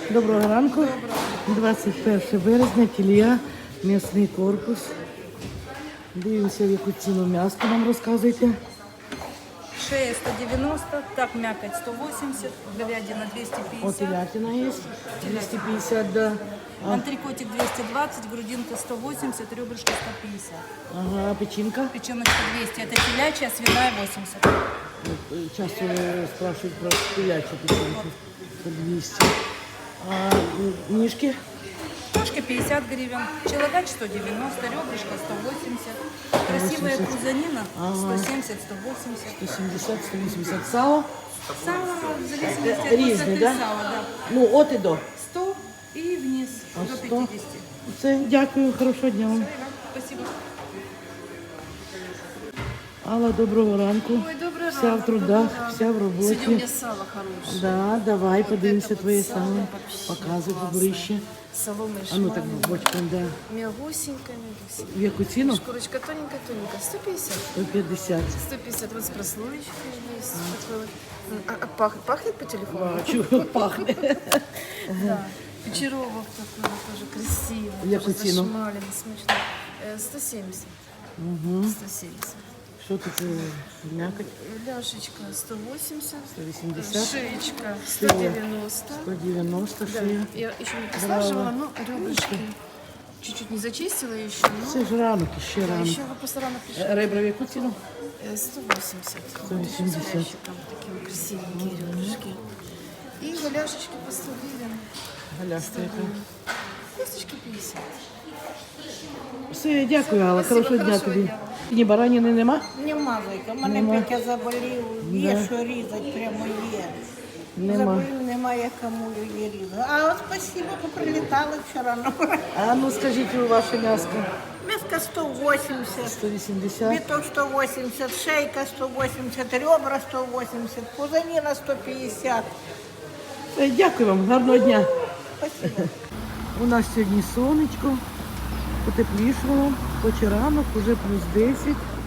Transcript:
Доброго ранку. 21 березня, кілія, м'ясний корпус. Дивимося, в яку ціну м'ясо нам розказуйте. Шея 190, так мякоть 180, говядина 250. От телятина є, 250, да. Антрикотик 220, грудинка 180, ребрышко 150. Ага, печінка. Печеночка 200, это телячья, свиная 80. Часто спрашивают про телячью печенку. По 200. А нишки? Ножки 50 гривен, челодач 190, ребрышко 180. Красивая 180. крузанина Ага. 170, 180. 170, 180. Сало? Сало в зависимости от Різні, высоты да? сала, да. Ну, от і до. 100 и вниз А до 100? 50. Все, дякую, хорошого дня вам. Спасибо. Алла, доброго ранку. Ой, доброго Вся в ранку, трудах, доброго ранку. вся в Сегодня у роботі. меня сало хорошее. Да, давай, подивимося это вот твоє сало сало. вообще Показуй классное. поближче. Соломе А ну так шмаленое. бочком, да. Мягусенькая, мягусенькая. В яку ціну? Шкурочка тоненькая-тоненькая. 150. 150. 150. Вот с прослоечкой есть. Такой вот. Пахнет по телефону? Бачу, пахне. Да. Печеровок такой вот тоже красивый. В яку тоже ціну? зашмаленный, смачный. 170. 170. Що тут м'якоть? Ляшечка 180. 180. Шеечка 190. 190 Да, шия. я еще не послаживала, но ребрышки чуть-чуть не зачистила еще, но Це ж ранок, ще да, ранок. еще вы просто рано пришли. Ребра в яку ціну? 180. 180. С ящиком такие красивенькие ребрышки. И голяшечки по 100 гривен. Галяшка яка. Косточки 50. Все, дякую, Алла. Спасибо, Хорошого дня хорошого тобі. дня. Ні, бараніни нема? Нема зайка, мене Нема. Петя заболів, є що різати, прямо є. Нема. Заболів, немає кому її різати. А от спасибо, що прилітали вчора на А ну скажіть ваше м'яско. м'яска 180, 180. біток 180, шейка 180, ребра 180, пузаніна 150. Все, дякую вам, гарного дня. Спасибо. У нас сьогодні сонечко, потеплішало, хоч і ранок, уже +10.